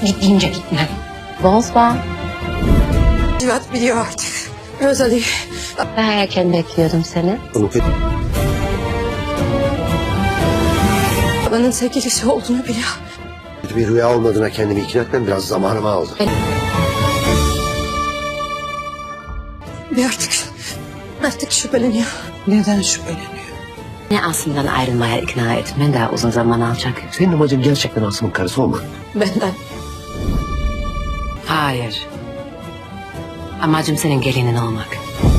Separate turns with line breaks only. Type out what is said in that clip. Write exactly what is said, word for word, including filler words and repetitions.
Git deyince gitmem. Bozma.
Civat biliyor artık. Rosalie.
Ben erken bekliyordum seni.
Bunu kötü...
Babanın sevgilisi olduğunu biliyor.
bir rüya olmadığına kendimi ikna etmem biraz zamanımı aldı.
Ve artık, artık şüpheleniyor.
Neden şüpheleniyor?
Ne Asım'dan ayrılmaya ikna etmen daha uzun zaman alacak.
Senin amacın gerçekten Asım'ın karısı olmak.
Benden.
Hayır. Amacım senin gelinin olmak.